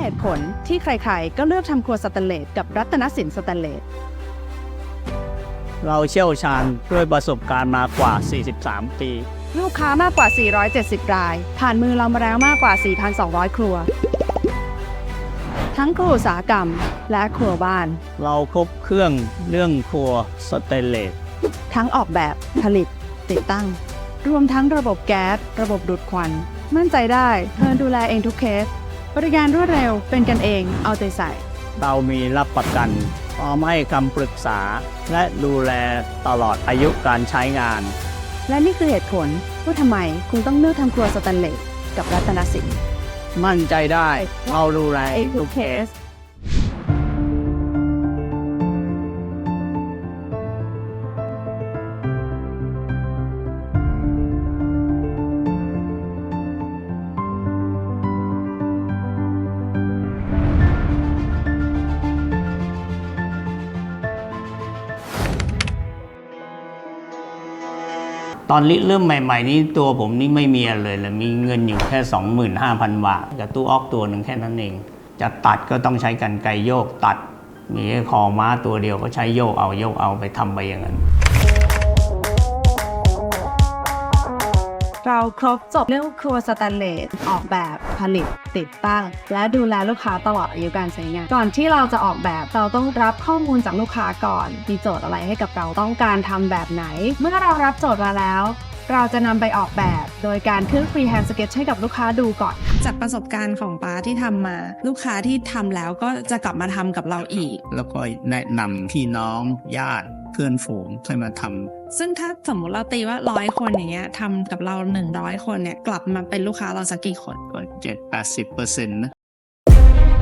เหตุผลที่ใครๆก็เลือกทำครัวสแตนเลสกับรัตนสินสแตนเลสเราเชี่ยวชาญด้วยประสบการณ์มากว่า 43 ปีลูกค้ามากกว่า 470 ราย ผ่านมือเรามาแล้วมากกว่า 4,200 ครัว ทั้งครัวอุตสาหกรรมและครัวบ้านเราครบเครื่องเรื่องครัวสเตนเลสทั้งออกแบบผลิตติดตั้ง รวมทั้งระบบแก๊สระบบดูดควัน มั่นใจได้เธอดูแลเองทุกเคส บริการรวดเร็วเป็นกันเองเอาใจใส่เรามีรับประกันพร้อมให้คำปรึกษา และดูแลตลอดอายุการใช้งานและนี่คือเหตุผลว่าทำไมคุณต้องเลือกทำครัวสแตนเลสกับรัตนสินมั่นใจได้เราดูแลเองทุกเคส ตอนเริ่มใหม่ๆนี่ตัวผมนี่ไม่มีอะไรเลยมีเงินอยู่แค่ 25,000 บาทกับตู้ออกตัวหนึ่งแค่นั้นเองจะตัดก็ต้องใช้กรรไกรโยกตัดมีแค่คอม้าตัวเดียวก็ใช้โยกเอาไปทำไปอย่างนั้นเราครบจบเรื่องครัวสแตนเลสออกแบบผลิตติดตั้ง และดูแลลูกค้าตลอดอายุการใช้งาน ก่อนที่เราจะออกแบบเราต้องรับข้อมูลจากลูกค้าก่อนมีโจทย์อะไรให้กับเราต้องการทำแบบไหน เมื่อเรารับโจทย์มาแล้ว เราจะนำไปออกแบบโดยการขึ้นฟรีแฮนด์สเก็ตให้กับลูกค้าดูก่อนจากประสบการณ์ของป้าที่ทำมาลูกค้าที่ทำแล้วก็จะกลับมาทำกับเราอีกแล้วก็แนะนำพี่น้องญาติเพื่อนฝูงให้มาทำซึ่งถ้าสมมุติเราตีว่า100 คนอย่างเงี้ยทำกับเรา100 คนเนี่ยกลับมาเป็นลูกค้าเราสักกี่คนก็70-80%นะ